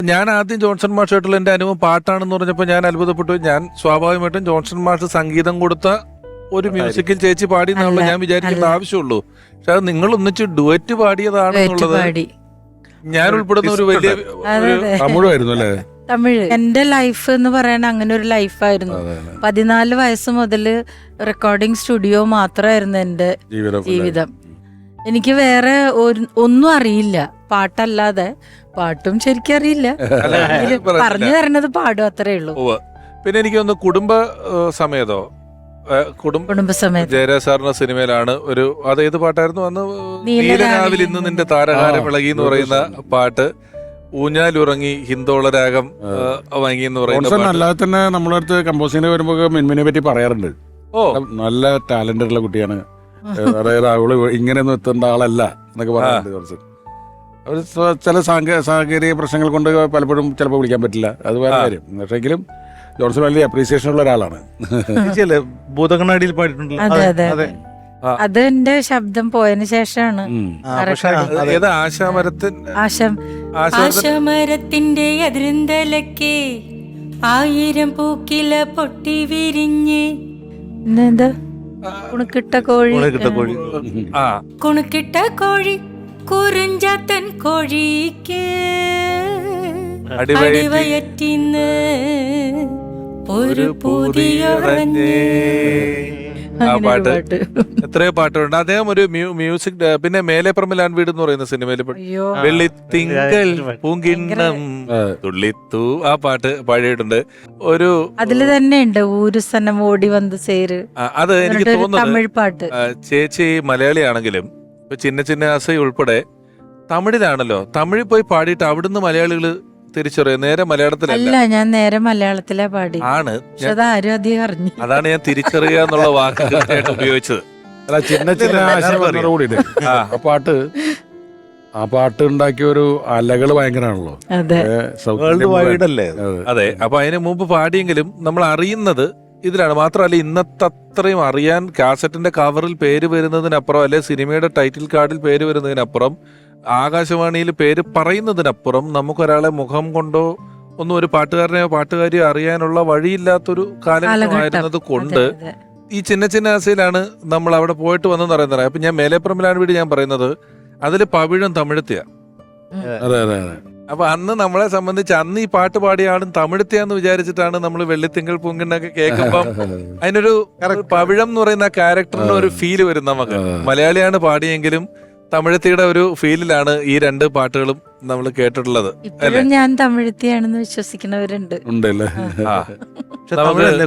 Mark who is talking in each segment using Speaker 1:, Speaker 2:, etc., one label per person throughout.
Speaker 1: ഞാൻ ആദ്യം ജോൺസൺ മാഷായിട്ടുള്ള എന്റെ അനുഭവം പാട്ടാണെന്ന് പറഞ്ഞപ്പോൾ ഞാൻ അത്ഭുതപ്പെട്ടു. ഞാൻ സ്വാഭാവികമായിട്ടും ജോൺസൺ മാഷ് സംഗീതം കൊടുത്ത ഒരു മ്യൂസിക്കിൽ ചേച്ചി പാടി എന്നാണല്ലോ ഞാൻ വിചാരിക്കേണ്ട ആവശ്യമുള്ളൂ. പക്ഷെ അത് നിങ്ങൾ ഒന്നിച്ച് ഡുവറ്റ് പാടിയതാണെന്നുള്ളത് ഞാൻ ഉൾപ്പെടുന്ന ഒരു വലിയ തമിഴായിരുന്നു അല്ലേ?
Speaker 2: തമിഴ്. എന്റെ ലൈഫ് എന്ന് പറയാൻ അങ്ങനെ ഒരു ലൈഫായിരുന്നു. 14 വയസ്സ് മുതൽ റെക്കോർഡിംഗ് സ്റ്റുഡിയോ മാത്രമായിരുന്നു എന്റെ ജീവിതം. എനിക്ക് വേറെ ഒന്നും അറിയില്ല പാട്ടല്ലാതെ. പാട്ടും ശരിക്കും അറിയില്ല, പറഞ്ഞു തരണത് പാടും, അത്രേ ഉള്ളൂ.
Speaker 1: പിന്നെ എനിക്കൊന്ന് കുടുംബ സമേതോ
Speaker 2: കുടുംബസമേതം
Speaker 1: ജയരാജ് സാറിന്റെ സിനിമയിലാണ് ഒരു അതേത് പാട്ടായിരുന്നു അന്ന്? നീലനാവിൽ ഇന്ന് നിന്റെ താരകാരം ഇളകി എന്ന് പറയുന്ന പാട്ട്. ഊഞ്ഞാലുറങ്ങി ഹിന്ദോള രാഗം വാങ്ങി എന്ന് പറയുന്നത്.
Speaker 3: അല്ലാതെ തന്നെ നമ്മളെ അടുത്ത് കമ്പോസിങ്ങിന് വരുമ്പോ മിൻമിനെ പറ്റി പറയാറുണ്ട്. നല്ല ടാലന്റ് ഉള്ള കുട്ടിയാണ്, അതായത് അവള് ഇങ്ങനെയൊന്നും എത്തേണ്ട ആളല്ല എന്നൊക്കെ പറയാറുണ്ട്. കുറച്ച് അവർ ചില സാങ്കേതിക പ്രശ്നങ്ങൾ കൊണ്ട് പലപ്പോഴും ചിലപ്പോൾ വിളിക്കാൻ പറ്റില്ല, അത് വേറെ കാര്യം. പക്ഷെങ്കിലും ജോൺസൺ വലിയ അപ്രീസിയേഷൻ ഉള്ള ഒരാളാണ്.
Speaker 4: ഭൂതകണ്ണാടിയിൽ പാടിയിട്ടുണ്ടല്ലോ.
Speaker 2: അതെ അതെ അതെ, അത് എന്റെ ശബ്ദം പോയതിനു ശേഷമാണ്.
Speaker 5: ആശമരത്തിന്റെ അതിരുന്തലക്കെ 1000 പൂക്കില പൊട്ടി വിരിഞ്ഞ്
Speaker 2: കുണുക്കിട്ട കോഴി
Speaker 5: കുണുക്കിട്ട കോഴി കുറിഞ്ചാത്തൻ കോഴിക്ക് അടിവയറ്റിന്ന് ഒരു പുതിയ
Speaker 1: ആ പാട്ട്. എത്രയോ പാട്ടുണ്ട്. അദ്ദേഹം ഒരു മ്യൂസിക്. പിന്നെ മേലെപ്പറമ്പിൽ ആൺ വീട് എന്ന് പറയുന്ന സിനിമയിൽ വെള്ളിത്തിങ്കൾ പൂങ്കിണ്ണം തുള്ളിത്തു ആ പാട്ട് പാടിയിട്ടുണ്ട്. ഒരു
Speaker 2: അതില് തന്നെ ഉണ്ട് ഊരു സനം ഓടി വന്ന് ചേര്.
Speaker 1: അത് എനിക്ക് തോന്നുന്നത്
Speaker 2: തമിഴ് പാട്ട്.
Speaker 1: ചേച്ചി മലയാളിയാണെങ്കിലും ചിന്ന ചിന്ന ആസൈ ഉൾപ്പെടെ തമിഴിലാണല്ലോ. തമിഴിൽ പോയി പാടിയിട്ട് അവിടുന്ന് മലയാളികള് തിരിച്ചറിയാം. നേരെ മലയാളത്തിലല്ല,
Speaker 2: ഞാൻ നേരെ മലയാളത്തിലാ പാടി.
Speaker 1: ആണ്
Speaker 2: ആരും അധികം അറിഞ്ഞു.
Speaker 1: അതാണ് ഞാൻ തിരിച്ചറിയുക എന്നുള്ള വാക്ക് ഉപയോഗിച്ചത്.
Speaker 3: ചിന്ന ചിന്ന കൂടി ആ പാട്ട് ഉണ്ടാക്കിയ ഒരു അലകള് ഭയങ്കരമാണല്ലോ.
Speaker 1: അതെ. അപ്പൊ അതിന് മുമ്പ് പാടിയെങ്കിലും നമ്മൾ അറിയുന്നത് ഇതിലാണ്. മാത്രമല്ല ഇന്നത്തെ അത്രയും അറിയാൻ കാസറ്റിന്റെ കവറിൽ പേര് വരുന്നതിനപ്പുറം, അല്ലെ സിനിമയുടെ ടൈറ്റിൽ കാർഡിൽ പേര് വരുന്നതിനപ്പുറം, ആകാശവാണിയിൽ പേര് പറയുന്നതിനപ്പുറം നമുക്കൊരാളെ മുഖം കൊണ്ടോ ഒന്നും ഒരു പാട്ടുകാരനെയോ പാട്ടുകാരിയോ അറിയാനുള്ള വഴിയില്ലാത്തൊരു കാലഘട്ടമായിരുന്നത് കൊണ്ട് ഈ ചിന്ന ചിന്ന ആസയിലാണ് നമ്മൾ അവിടെ പോയിട്ട് വന്നെന്ന് പറയുന്നത്. അപ്പൊ ഞാൻ മേലെപ്പറമ്പിലാണ് വീട് ഞാൻ പറയുന്നത്, അതില് പവിഴം തമിഴത്തിയ. അപ്പൊ അന്ന് നമ്മളെ സംബന്ധിച്ച് അന്ന് ഈ പാട്ട് പാടിയ ആളും തമിഴത്തിയാന്ന് വിചാരിച്ചിട്ടാണ് നമ്മൾ വെള്ളിത്തിങ്കൾ പൂങ്കിണ്ണൊക്കെ കേൾക്കുമ്പം അതിനൊരു പവിഴം എന്ന് പറയുന്ന ആ ക്യാരക്ടറിന് ഒരു ഫീല് വരും നമുക്ക്. മലയാളിയാണ് പാടിയെങ്കിലും തമിഴത്തിയുടെ ഒരു ഫീലിലാണ് ഈ രണ്ട് പാട്ടുകളും നമ്മൾ കേട്ടിട്ടുള്ളത്.
Speaker 2: ഇപ്പോഴും ഞാൻ തമിഴത്തിയാണെന്ന് വിശ്വസിക്കുന്നവരുണ്ട്.
Speaker 4: തമിഴല്ലേ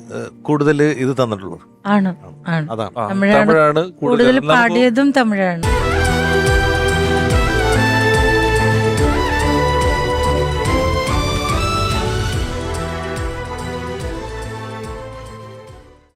Speaker 4: കൂടുതൽ ഇത് തന്നിട്ടുള്ളൂ.
Speaker 2: ആണ്, തമിഴാണ് കൂടുതൽ പാടിയതും തമിഴാണ്.